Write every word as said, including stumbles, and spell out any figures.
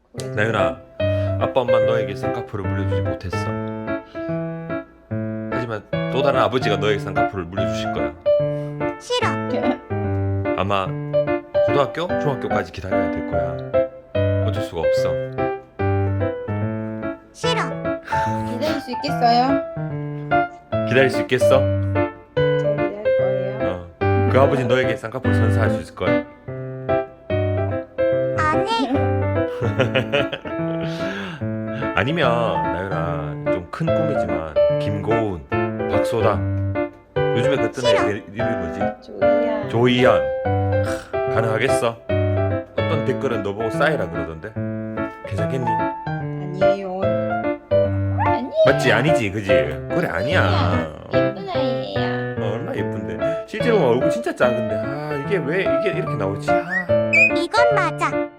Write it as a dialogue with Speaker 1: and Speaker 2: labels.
Speaker 1: 나윤아, 아빠 엄마 너에게 쌍꺼풀을 물려주지 못했어. 하지만 또 다른 아버지가 너에게 쌍꺼풀을 물려주실 거야.
Speaker 2: 싫어.
Speaker 1: 아마 고등학교, 중학교까지 기다려야 될 거야. 어쩔 수가 없어.
Speaker 2: 싫어.
Speaker 3: 기다릴 수 있겠어요?
Speaker 1: 기다릴 수 있겠어?
Speaker 3: 잘 기다릴 거예요.
Speaker 1: 어. 그 아버지 너에게 쌍꺼풀 선사할 수 있을 거야.
Speaker 2: 아니.
Speaker 1: 아니면 나윤아, 좀 큰 꿈이지만 김고은, 박소다, 요즘에 그 뜨는
Speaker 2: 싫어.
Speaker 1: 애 이름이 뭐지?
Speaker 3: 조이야.
Speaker 1: 조이연. 하, 가능하겠어? 어떤 댓글은 너보고 싸이라 그러던데 괜찮겠니?
Speaker 3: 아니에요. 아니에요.
Speaker 1: 맞지? 아니지 그지? 그래 아니야.
Speaker 3: 예쁜 아이예요.
Speaker 1: 어, 얼마나 예쁜데 실제로 얼굴 진짜 작은데 아 이게 왜 이게 이렇게 나오지? 아.
Speaker 2: 이건 맞아.